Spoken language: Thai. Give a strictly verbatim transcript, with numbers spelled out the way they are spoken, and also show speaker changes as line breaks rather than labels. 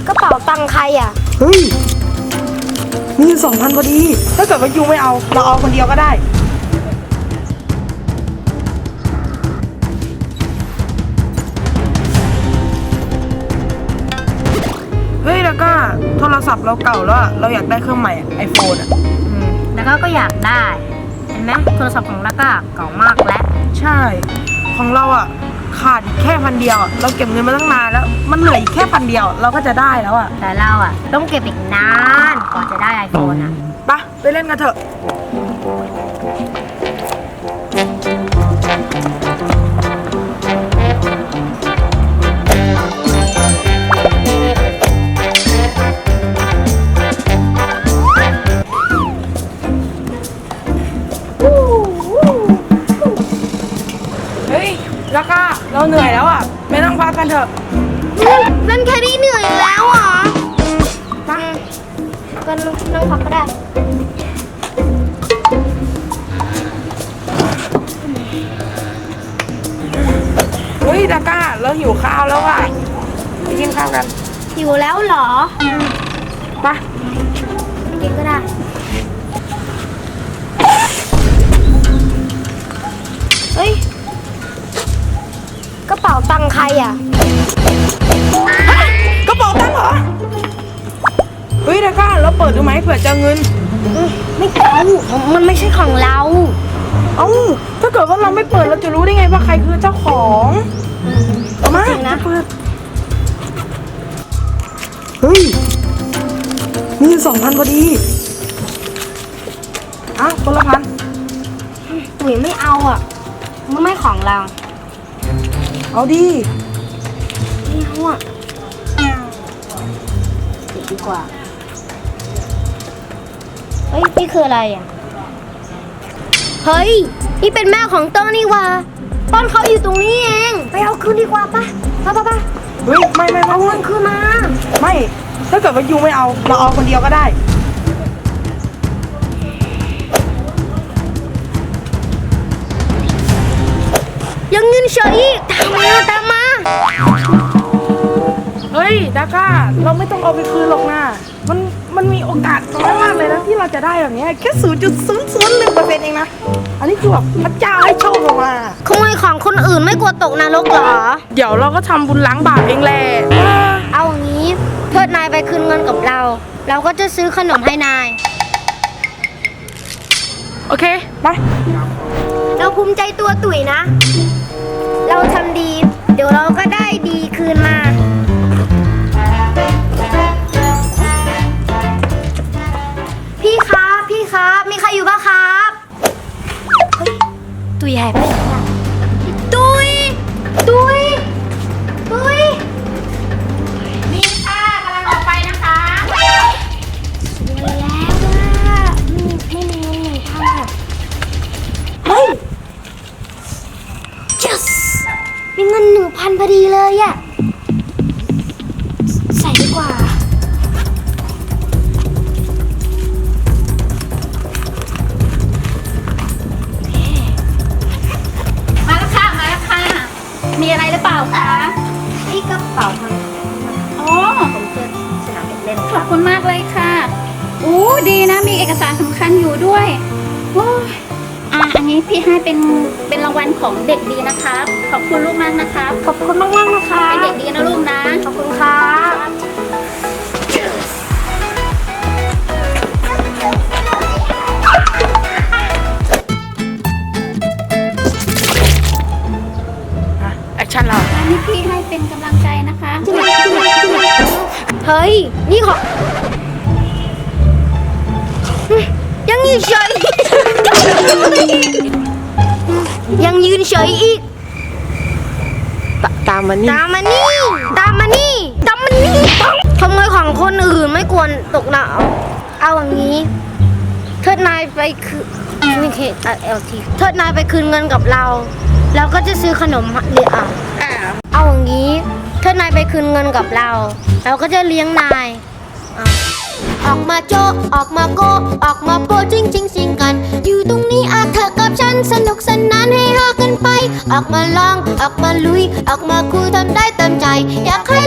กระเป๋าตังค์ใครอ่ะ
เฮ้ยมีอยู่สองพันพอดีถ้าเกิดว่ายูไม่เอาเราเอาคนเดียวก็ได้เฮ้ยแล้วก็โทรศัพท์เราเก่าแล้วอะเราอยากได้เครื่องใหม่ไอโฟนอะ
อืมแล้วก็ก็อยากได้เห็นไหมโทรศัพท์ของแล้วก็เก่ามากแล้ว
ใช่ของเราอะขาดแค่พันเดียวเราเก็บเงินมาตั้งนานแล้วมันเหลืออีกแค่พันเดียวเราก็จะได้แล้วอะ
แต่เราอะต้องเก็บอีกนานกว่าจะได้ไอโฟนอะ
ไปไปเล่นกันเถอะเฮ้ยแล้วก็เราเหนื่อยแล้วอ่ะไม่ต้องพักกันเถอะ
เล่นแค่นี้เหนื่อยแล้วเหรอมาก็นั่งพักก็ได้
เฮ้ยดาก้าเราหิวข้าวแล้วอ่ะไปกินข้าวกัน
หิวแล้วเหรอ
ไป
กินก็ได้เฮ้ยกระเป๋าตังค์ใครอ่ะ
กระเป๋าตังค์เหรอเฮ้ยดาก้าเราเปิดดูไหมเผื่อจะเงิน
ไม่เอามันไม่ใช่ของเรา
เอ้าถ้าเกิดว่าเราไม่เปิดเราจะรู้ได้ไงว่าใครคือเจ้าของมานะเปิดเฮ้ยมีอยู่สองพันพอดีอ้าวคนละพัน
ตุ๋ยไม่เอาอ่ะมันไม่ของเรา
เอาดี
ไม่เอาอ่ะติดดีกว่าเฮ้ยนี่คืออะไรอ่ะเฮ้ยนี่เป็นแม่ของต้นนี่วะต้นเขาอยู่ตรงนี้เองไปเอาคืนดีกว่าปะปะปะปะ
เฮ้ยไม่ไม่
เอาเงินคืนมา
ไม่ถ้าเกิดว่ายูไม่เอาเราเอาคนเดียวก็ได้
ยังเงินเฉยอีกตามมาตามมา
เฮ้ยดาก้าเราไม่ต้องเอาไปคืนหรอกนะมันมันมีโอกาสน้อยมากเลยนะที่เราจะได้แบบนี้แค่ศูนย์จุดศูนย์ศูนย์หนึ่งเปอร์เซ็นต์เองนะอันนี้คือแบบพระเจ้าให้โชคเรามา
ขโมยของคนอื่นไม่กลัวตกนรกเหรอ
เดี๋ยวเราก็ทำบุญล้างบาปเองแหละ
เอางี้เทิดนายไปคืนเงินกับเราเราก็จะซื้อขนมให้นาย
โอเคไป
เราภูมิใจตัวตุ๋ยนะเราทำดีเดี๋ยวเราก็ได้ดีคืนมาพี่ครับพี่ครับมีใครอยู่บ้างครับเฮ้ยตุ๋ยหายไปไหนอ่ะตุ๋ยตุ๋ยตุ๋ย
มีค่ะกำลังออกไปนะคะ
แล้วว่าไม่มีไม่มีเงินหนึ่งพันอ่ะเฮ้ย yes มีเงินหนึ่งพันพอดีเลยอ่ะใส่ดีกว่า
มาแล้วค่ะมาแล้วค่ะมีอะไรหรือเปล่าคะ
นี่กระเป๋าค่ะ
อ๋อ
ผมเจอสนามเด็กเล่น
ขอบคุณมากเลยค่ะอู้ดีนะมีเอกสารสำคัญอยู่ด้วยโอ้ยอ่ะอันนี้พี่ให้เป็นเป็นรางวัลของเด็กดีนะคะขอบคุณลูกมากนะคะ
ขอบคุณมากมากนะคะ
เป็นเด็กดีนะลูกนะ
ขอบคุณค่ะ
แอคชั่นเรา
อันนี้พี่ให้เป็นกำลังใจนะคะ
เฮ้ยนี่ขอยังยืนเฉยยังยืนเฉยอีก
ตามมานี่
ตามมานี่ตามมานี่ตามมานี่ขโมยของคนอื่นไม่ควรตกหนาวเอาอย่างนี้เทิดนายไปคือนี่เคตัดเอลทีเทิดนายไปคืนเงินกับเราเราก็จะซื้อขนมเลี้ยงเอาอย่างนี้เทิดนายไปคืนเงินกับเราเราก็จะเลี้ยงนายออกมาโจออกมาโกออกมาโปจริงจริงสิงกันอยู่ตรงนี้อาเธอกับฉันสนุกสนานให้ฮากันไปออกมาลองออกมาลุยออกมาคุยทำได้เต็มใจอยากให้